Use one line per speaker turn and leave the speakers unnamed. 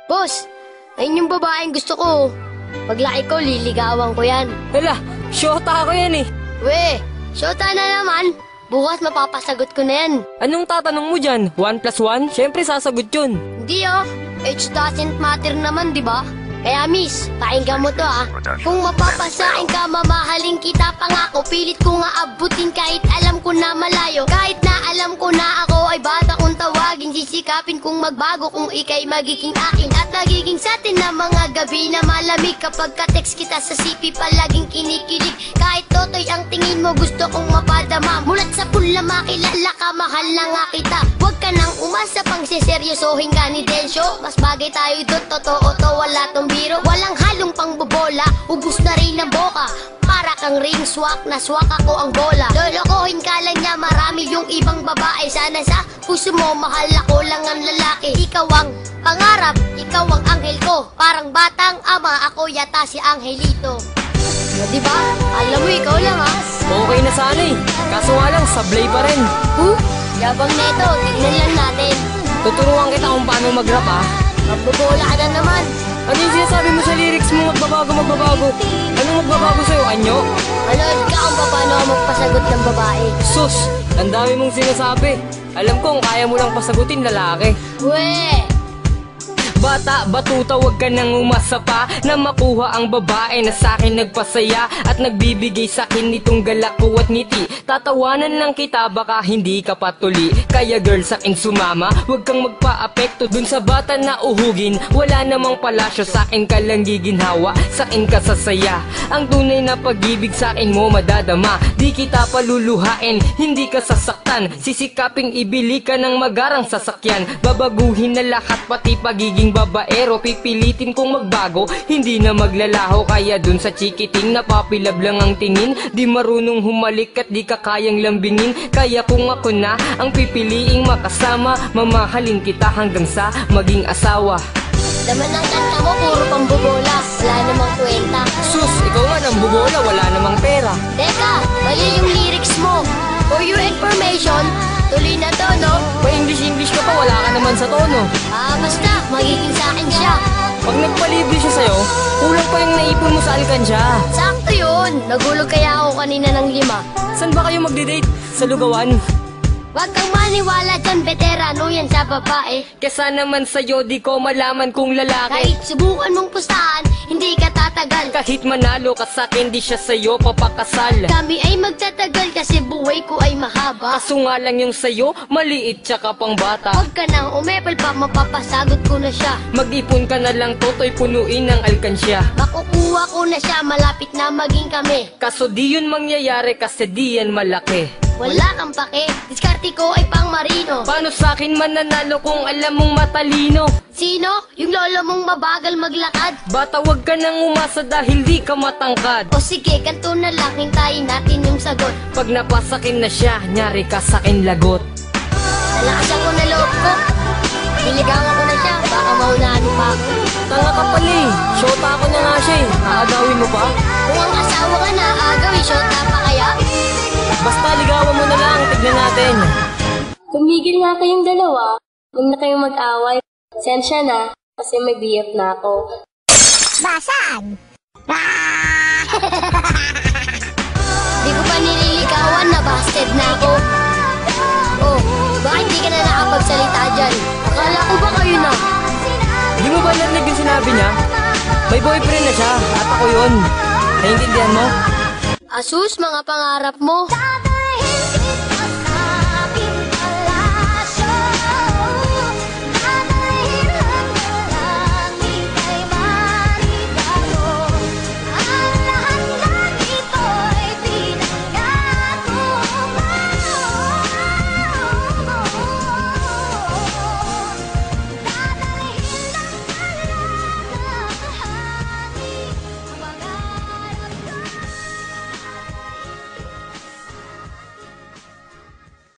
Boss, ayun yung babaeng gusto ko. Paglaki ko, liligawan ko yan.
Hala, syota ako yan eh.
We, syota na naman. Bukas mapapasagot ko na yan.
Anong tatanong mo dyan? 1 plus 1? Siyempre sasagot yun.
Hindi oh, age doesn't matter naman, di ba? Kaya miss, pakinggan mo to ah. Kung mapapasain ka, mamahalin kita pangako. Pilit ko nga abutin kahit alam ko na malayo. Kahit na alam ko na ako ay bata kong tawagin. Sisikapin kong magbago kung ika'y magiging akin. At nagiging sa atin na mga gabi na malamig. Kapag ka-text kita sa CP palaging kinikilig. Kahit totoy ang tingin mo gusto kong mapadama. Mulat sa pula makilala ka, mahal na nga kita. Huwag ka nang umasa pang siseryosohin ka ni Densyo. Mas bagay tayo doon, totoo to, wala tong biro. Walang halong pangbobola, ubus na rin ang boka. Para kang ring swak, na swak ako ang bola. Lolokohin ka lang niya, marami yung ibang babae. Sana sa puso mo, mahal ako lang ang lalaki. Ikaw ang pangarap, ikaw ang anghel ko. Parang batang ama, ako yata si Angelito. O diba? Alam mo, ikaw lang ha.
Okay na sana eh. Kaso nga lang, sablay pa rin.
Yabang neto, tignan lang natin.
Tuturuan kita kung paano mag-rap ah.
Magbobola ka na naman.
Ano yung sinasabi mo sa lyrics mo? Magbabago. Anong magbabago sa'yo? Anyo?
Manood ka kung paano ako magpasagot ng babae.
Sus! Ang dami mong sinasabi. Alam kong kaya mo lang pasagutin lalaki.
We!
Bata, batuta, wag ka nang umasa pa na makuha ang babae na sa'kin nagpasaya at nagbibigay sa'kin nitong galak ko at ngiti. Tatawanan lang kita, baka hindi ka patuli. Kaya girl, sa'kin sumama, wag kang magpa-apekto dun sa bata na uhugin. Wala namang palasyo, sa'kin ka lang giginhawa, sa'kin ka sasaya. Ang tunay na pag-ibig sa'kin mo madadama. Di kita paluluhain, hindi ka sasaktan. Sisikaping ibili ka ng magarang sasakyan. Babaguhin na lahat, pati pagiging babaero. Pipilitin kong magbago, hindi na maglalaho. Kaya dun sa chikiting napapilab lang ang tingin. Di marunong humalik at di ka kayang lambingin. Kaya kung ako na ang pipiliing makasama, mamahalin kita hanggang sa maging asawa.
Laman ng kanta mo, puro pambobola. Wala namang kwenta.
Sus, ikaw nga nang bubola, wala namang pera.
Teka, mali yung lyrics mo. For your information, tuloy na to, no?
Pa-English ka pa, wala ka naman sa tono.
Basta, magiging sa akin siya.
Pag nagpalibre siya sa'yo, kulang pa yung naipon mo sa alkansya.
Sakto yun. Nagulog kaya ako kanina ng 5.
Saan ba kayo magde-date? Sa lugawan?
Wag kang maniwala dyan, veterano yan sa babae.
Kesa naman sa'yo, di ko malaman kung lalaki.
Kahit subukan mong pustahan, hindi ka tatagal.
Kahit manalo ka sa'kin, di siya sa'yo papakasal.
Kami ay magtatagal kasi buhay ko ay mahaba.
Kaso nga lang yung sa'yo, maliit tsaka pang bata.
Huwag ka nang umepal pa, mapapasagot ko na siya.
Mag-ipon ka na lang, toto'y punuin ng alkansya.
Makukuha ko na siya, malapit na maging kami.
Kaso di yun mangyayari kasi di yan malaki.
Wala kang pake, diskarte ko ay pang marino.
Paano sa'kin mananalo kung alam mong matalino?
Sino? Yung lolo mong mabagal maglakad?
Bata, wag ka nang umasa dahil di ka matangkad.
O sige, kanto na lang, hintayin natin yung sagot.
Pag napasakin na siya, nyari ka sa'kin lagot.
Nalakasan ko na loob ko. Niligawan ko na siya, baka maunahan pa ako.
Tanga ka pala eh, syota ako na nga siya eh. Aagawin mo pa?
Kung ang asawa ka na, agawin shota pa kaya?
Basta ligawan mo na lang, tignan natin.
Tumigil nga kayong dalawa. Huwag na kayong mag-away. Sensya na, kasi may BF na ako.
Basag! Di ko pa nililigawan na busted na ako. Oh, bakit di ka na nakapagsalita dyan? Akala ko ba kayo na?
Di mo ba narinig yung sinabi niya? May boyfriend na siya, at ako yun. Naiintindihan mo?
Asus, mga pangarap mo.